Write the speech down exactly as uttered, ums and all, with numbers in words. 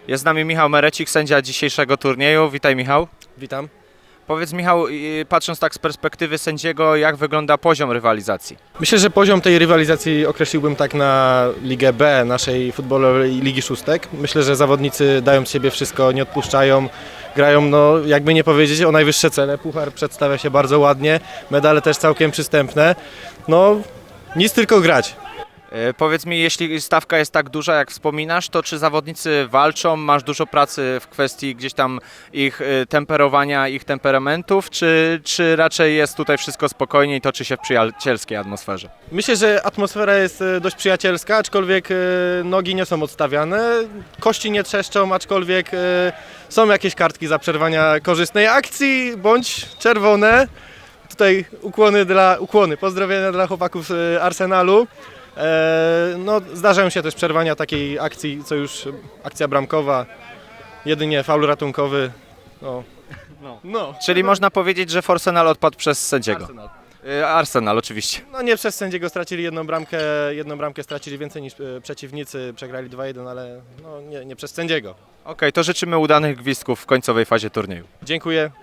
Jest z nami Michał Merecik, sędzia dzisiejszego turnieju. Witaj, Michał. Witam. Powiedz, Michał, y, patrząc tak z perspektywy sędziego, jak wygląda poziom rywalizacji? Myślę, że poziom tej rywalizacji określiłbym tak na Ligę B naszej futbolowej Ligi Szóstek. Myślę, że zawodnicy dają z siebie wszystko, nie odpuszczają, grają, no jakby nie powiedzieć, o najwyższe cele. Puchar przedstawia się bardzo ładnie, medale też całkiem przystępne. No nic, tylko grać. Y, Powiedz mi, jeśli stawka jest tak duża, jak wspominasz, to czy zawodnicy walczą? Masz dużo pracy w kwestii gdzieś tam ich y, temperowania, ich temperamentów, czy, czy raczej jest tutaj wszystko spokojnie i toczy się w przyjacielskiej atmosferze? Myślę, że atmosfera jest e, dość przyjacielska, aczkolwiek e, nogi nie są odstawiane, kości nie trzeszczą, aczkolwiek e, są jakieś kartki za przerwania korzystnej akcji bądź czerwone. Tutaj ukłony dla, ukłony, pozdrowienia dla chłopaków z Arsenalu. E, no, zdarzają się też przerwania takiej akcji, co już akcja bramkowa, jedynie faul ratunkowy. No, No. no. Czyli można powiedzieć, że Forsenal odpadł przez sędziego. Arsenal. Y, Arsenal, oczywiście. No nie przez sędziego stracili jedną bramkę, jedną bramkę stracili więcej niż e, przeciwnicy, przegrali dwa jeden, ale no, nie, nie przez sędziego. Okej, to życzymy udanych gwizdków w końcowej fazie turnieju. Dziękuję.